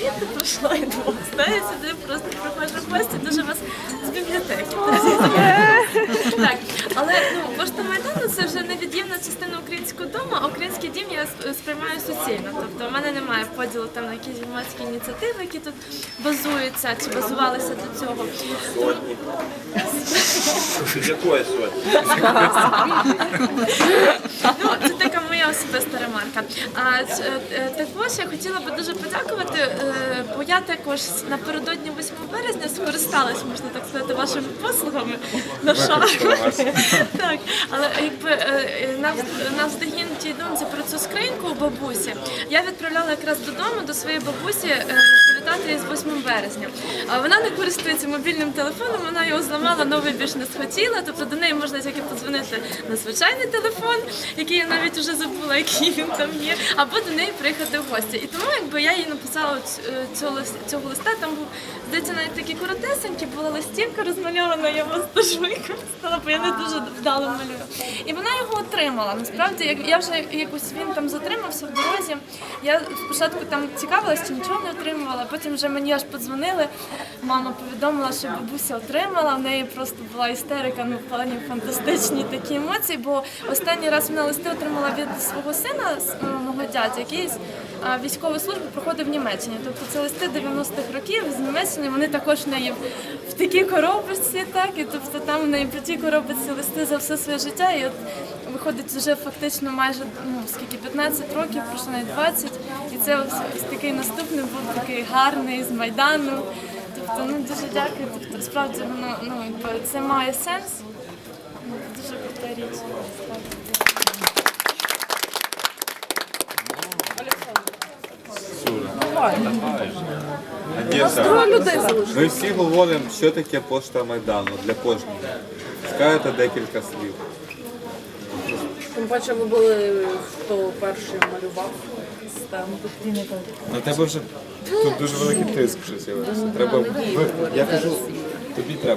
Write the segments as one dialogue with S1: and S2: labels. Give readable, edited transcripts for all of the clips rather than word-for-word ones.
S1: я не пройшла і двох. Знаю, сюди просто проходжу в гості, дуже вас з бібліотеки. Так, але пошта Майдану це вже невід'ємна частина українського дому, а український дім я сприймаю суцільно. Тобто в мене немає поділу там на якісь громадські ініціативи, які тут базуються чи базувалися до цього.
S2: Якої сотні?
S1: Це така моя особиста ремарка. Також я хотіла би дуже подякувати, бо я також напередодні 8 березня скористалась, можна так сказати, вашими послугами на шаг. Так, але якби навздогін тій думці про цю скриньку у бабусі, я відправляла якраз додому до своєї бабусі привітати її з 8 березня. Вона не користується мобільним телефоном, вона його зламала, новий більш не схотіла, тобто до неї можна тільки подзвонити на звичайний телефон, який я навіть вже забула, який він там є, або до неї приїхати в гості. І тому якби я їй написала цього листа, там був, здається, навіть такі коротесенькі, була листівка розмальована, я вас дуже використала, бо я не дуже вдало малюю. І вона його отримала. Насправді, я вже якось він там затримався в дорозі. Я спочатку там цікавилась, чи нічого не отримувала, потім вже мені аж подзвонили. Мама повідомила, що бабуся отримала, в неї просто була істерика, в плані фантастичні такі емоції, бо останній раз вона листи отримала від свого сина, мого дядя, який військову службу проходив в Німеччині. Тобто це листи 90-х років з Німеччини, вони також в неї в такій коробочці, так, і тобто там в неї по тій коробочці листи за все своє життя, і от виходить вже фактично майже, скільки, 15 років, пройшло навіть 20, і це ось такий наступний був такий гарний з Майдану. Тобто, дуже дякую, тобто, справді воно, це має сенс, дуже крута річ.
S3: Ми всі говоримо, що таке пошта Майдану для кожного. Скажете декілька слів.
S4: Тим паче ви були, хто перший малював систему.
S3: На тебе вже тут дуже великий тиск вже з'явився. Треба я кажу, тобі треба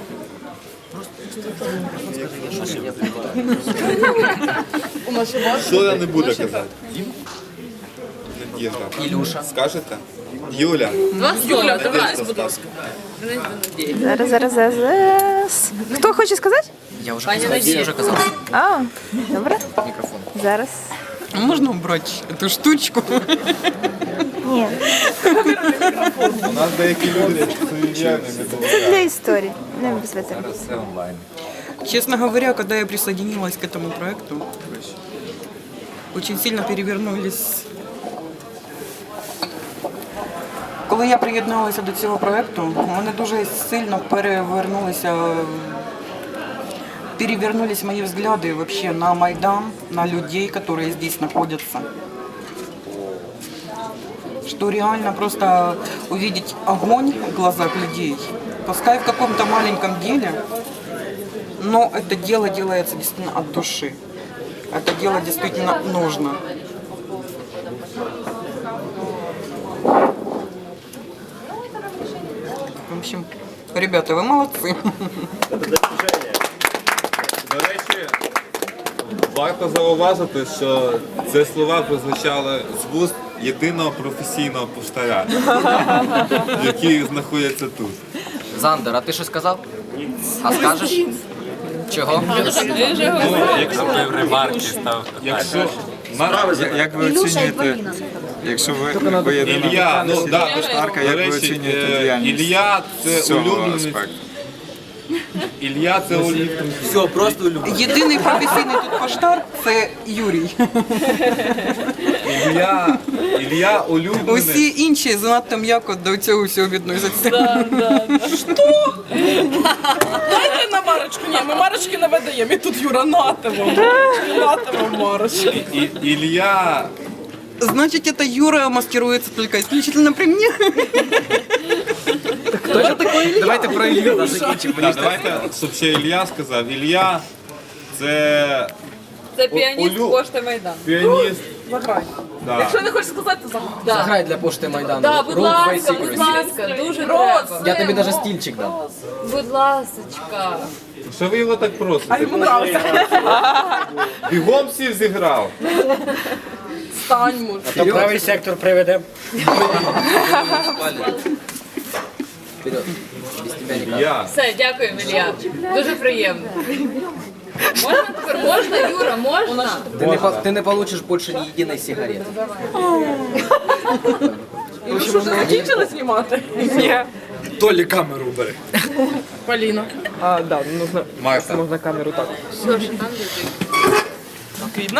S3: Що я не буду казати? Надежда.
S5: Ілюша.
S3: Скажете? Юля.
S4: Юля, давай, будь ласка.
S6: Зараз. Хто хоче сказати?
S5: Я вже казав.
S6: А, добре.
S5: Мікрофон.
S6: Зараз.
S7: Можно убрать эту штучку?
S6: Ні,
S3: У нас деякі люди суєвірні не
S6: це
S3: дозволяють.
S6: для історії, не без цього.
S3: Все онлайн.
S7: Честно говоря, когда я присоединилась к этому проекту, очень сильно перевернулись. Коли я приєдналася до цього проекту, у мене дуже сильно перевернулись мои взгляды вообще на Майдан, на людей, которые здесь находятся. Что реально просто увидеть огонь в глазах людей, пускай в каком-то маленьком деле, но это дело делается действительно от души. Это дело действительно нужно. В общем, ребята, вы молодцы.
S3: До речі, варто зауважити, що ці слова прозвучали з вуст єдиного професійного поштаря, який знаходиться тут.
S5: Зандер, а ти щось сказав? А скажеш? Чого?
S3: Як ви оцінюєте, якщо ви єдина поштарка, як ви оцінюєте діяльність? Ілля це улюбленець. Ілля це улюбленець.
S5: Все, просто улюблений.
S7: Єдиний професійний тут поштар – це Юрій.
S3: Ілля улюбленець.
S7: Усі інші занадто м'яко до цього всього відносяться.
S4: Дайте на марочку, ні, ми марочки не видаємо, і тут Юра нативо марочки.
S3: Ілля...
S7: Значит, это Юра маскируется только исключительно при мне.
S5: Давайте про Ілью закінчимо.
S3: Давайте, щоб ще Ілля сказав. Ілля це...
S4: Це піаніст пошти Майдан.
S3: Піаніст.
S4: Заграй.
S3: Да.
S4: Якщо не хочеш сказати, то заграй.
S5: Заграй для пошти Майдану.
S4: Да, будь
S5: Рул
S4: ласка,
S5: Твоє
S4: будь ласка, дуже треба.
S5: Я тобі навіть стільчик дам.
S4: Будь ласочка.
S3: Що ви його так просите?
S4: Йому нравиться.
S3: Бігом всіх зіграв.
S4: Встань, може.
S8: Правий сектор приведемо.
S5: Вперед. Без тебя никак.
S2: Илья,
S9: Все, дякую, Ілля. Дуже приємно. Можна тепер? Можна, Юра, можна?
S5: Ты не получишь больше ни единой сигареты.
S4: І ви що, вже закінчили знімати?
S8: Толі камеру бери.
S4: Поліна.
S7: А, да, нужно,
S3: Марта.
S7: можно камеру так. Видно?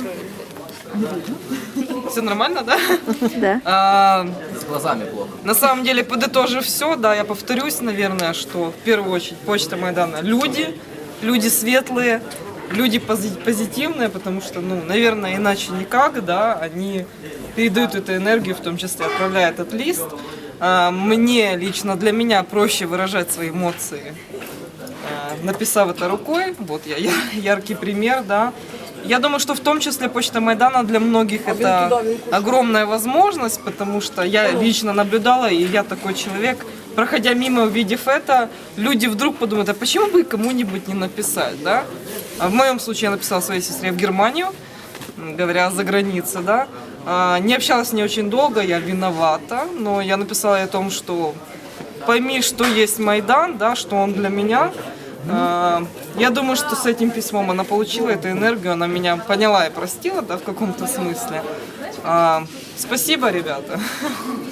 S7: Все нормально, да?
S6: Да.
S5: С глазами плохо.
S7: На самом деле, подытожив все, да, я повторюсь, наверное, что в первую очередь Почта Майдана люди светлые, люди позитивные, потому что, ну, наверное, иначе никак, да, они передают эту энергию, в том числе отправляют этот лист. Мне лично, для меня проще выражать свои эмоции, написав это рукой, вот я яркий пример, да. Я думаю, что в том числе Почта Майдана для многих это огромная возможность, потому что я лично наблюдала, и я такой человек, проходя мимо, увидев это, люди вдруг подумают, а почему бы кому-нибудь не написать, да? А в моем случае я написала своей сестре в Германию, говоря за границей, да. Не общалась с ней очень долго, я виновата, но я написала ей о том, что пойми, что есть Майдан, да, что он для меня. Я думаю, что с этим письмом она получила эту энергию, она меня поняла и простила, да, в каком-то смысле. Спасибо, ребята.